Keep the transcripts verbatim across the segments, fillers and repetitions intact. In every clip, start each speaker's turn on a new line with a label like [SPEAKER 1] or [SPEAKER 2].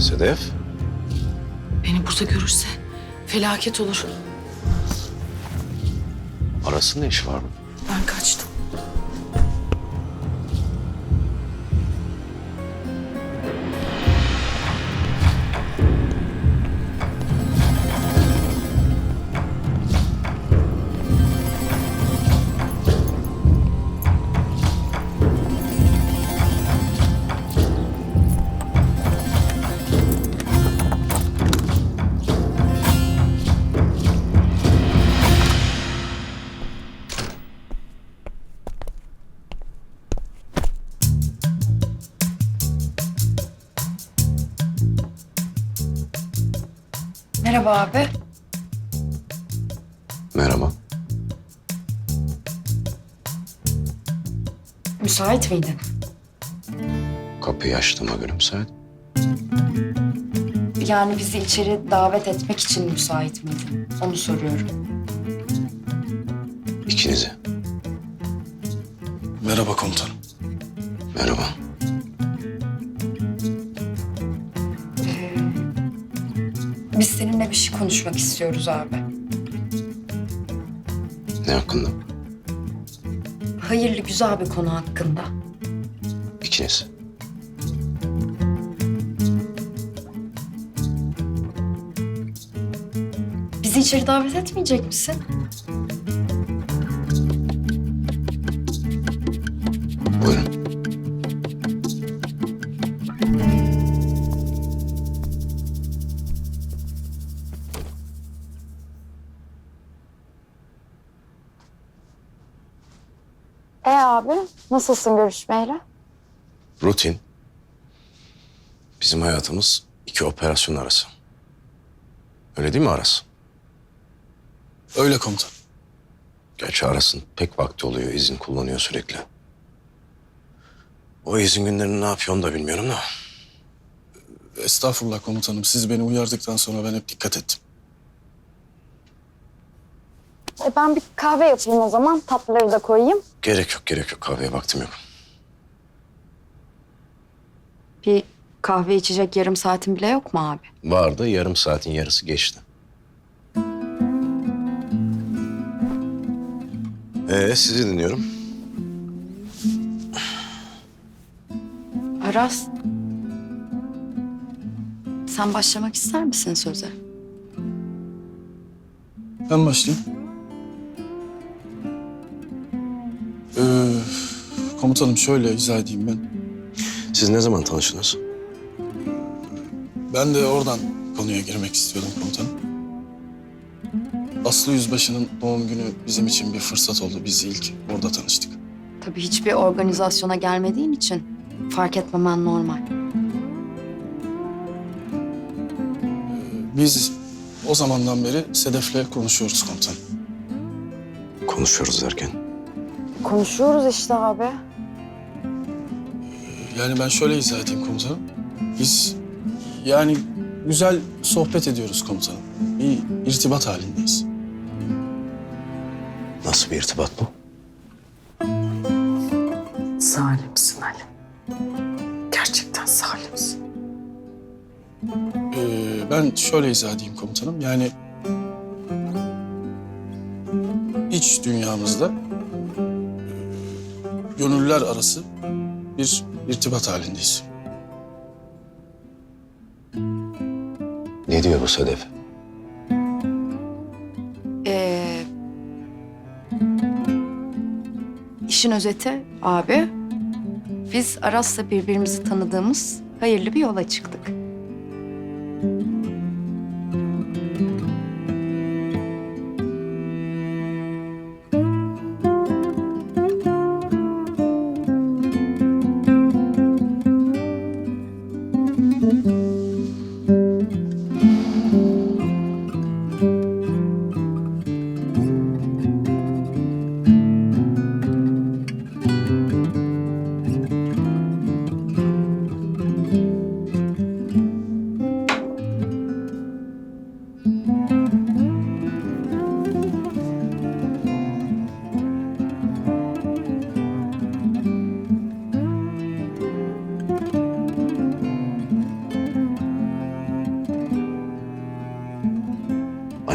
[SPEAKER 1] Sedef.
[SPEAKER 2] Beni burada görürse felaket olur.
[SPEAKER 1] Aras'ın ne işi var mı?
[SPEAKER 2] Ben kaçtım. Merhaba abi.
[SPEAKER 1] Merhaba.
[SPEAKER 2] Müsait miydin?
[SPEAKER 1] Kapıyı açtığıma göre müsait.
[SPEAKER 2] Yani bizi içeri davet etmek için müsait miydin? Onu soruyorum.
[SPEAKER 1] İkinizi.
[SPEAKER 3] Merhaba komutanım.
[SPEAKER 1] Merhaba.
[SPEAKER 2] Ee, biz seninle bir şey konuşmak istiyoruz abi.
[SPEAKER 1] Ne hakkında?
[SPEAKER 2] Hayırlı güzel bir konu hakkında.
[SPEAKER 1] İkiniz.
[SPEAKER 2] Bizi içeri davet etmeyecek misin?
[SPEAKER 1] Buyurun.
[SPEAKER 4] E abi, nasılsın görüşmeyle?
[SPEAKER 1] Rutin. Bizim hayatımız iki operasyon arası. Öyle değil mi Aras?
[SPEAKER 3] Öyle komutan.
[SPEAKER 1] Gerçi Aras'ın pek vakti oluyor. İzin kullanıyor sürekli. O izin günlerini ne yapıyor onu da bilmiyorum da.
[SPEAKER 3] Estağfurullah komutanım. Siz beni uyardıktan sonra ben hep dikkat ettim.
[SPEAKER 4] E ben bir kahve yapayım o zaman, tatlıları da koyayım.
[SPEAKER 1] Gerek yok, gerek yok. Kahveye vaktim yok.
[SPEAKER 2] Bir kahve içecek yarım saatin bile yok mu abi?
[SPEAKER 1] Vardı, yarım saatin yarısı geçti. Ee, sizi dinliyorum.
[SPEAKER 2] Aras. Sen başlamak ister misin söze?
[SPEAKER 3] Ben başlayayım. Ee, komutanım şöyle izah edeyim ben.
[SPEAKER 1] Siz ne zaman tanıştınız?
[SPEAKER 3] Ben de oradan konuya girmek istiyordum komutanım. Aslı Yüzbaşı'nın doğum günü bizim için bir fırsat oldu. Biz ilk orada tanıştık.
[SPEAKER 2] Tabii hiçbir organizasyona gelmediğin için fark etmemen normal.
[SPEAKER 3] Biz o zamandan beri Sedef'le konuşuyoruz komutanım.
[SPEAKER 1] Konuşuyoruz derken.
[SPEAKER 4] Konuşuyoruz işte abi.
[SPEAKER 3] Yani ben şöyle izah edeyim komutanım. Biz yani güzel sohbet ediyoruz komutanım. Bir irtibat halindeyiz.
[SPEAKER 1] Nasıl bir irtibat bu?
[SPEAKER 2] Zalimsin Ali. Gerçekten zalimsin.
[SPEAKER 3] Ee, ben şöyle izah edeyim komutanım. Yani iç dünyamızda e, gönüller arası bir irtibat halindeyiz.
[SPEAKER 1] Ne diyor bu Sedef?
[SPEAKER 2] Ee, işin özeti abi, biz Aras'la birbirimizi tanıdığımız hayırlı bir yola çıktık.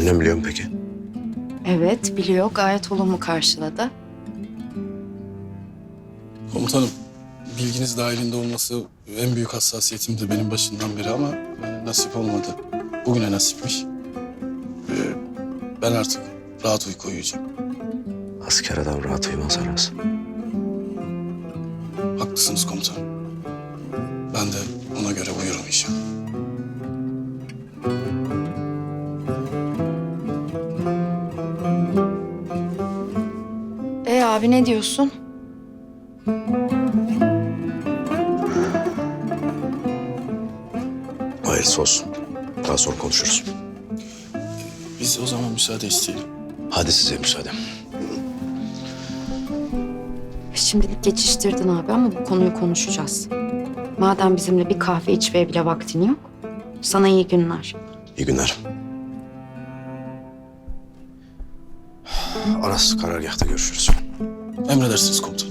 [SPEAKER 1] Annem biliyor mu peki?
[SPEAKER 2] Evet, biliyor. Gayet olumlu karşıladı.
[SPEAKER 3] Komutanım, bilginiz dahilinde olması en büyük hassasiyetimdi benim başından beri ama e, nasip olmadı. Bugüne nasipmiş. E, ben artık rahat uyku uyuyacağım.
[SPEAKER 1] Asker adam rahat uyumaz Aras.
[SPEAKER 3] Haklısınız komutanım. Ben de ona göre uyurum inşallah.
[SPEAKER 2] E abi ne diyorsun?
[SPEAKER 1] Hayırlısı olsun. Daha sonra konuşuruz.
[SPEAKER 3] Biz o zaman müsaade isteyelim.
[SPEAKER 1] Hadi size müsaade.
[SPEAKER 2] Şimdilik geçiştirdin abi ama bu konuyu konuşacağız. Madem bizimle bir kahve içmeye bile vaktin yok, sana iyi günler.
[SPEAKER 1] İyi günler. Aras karargâhta görüşürüz.
[SPEAKER 3] Emredersiniz komutanım.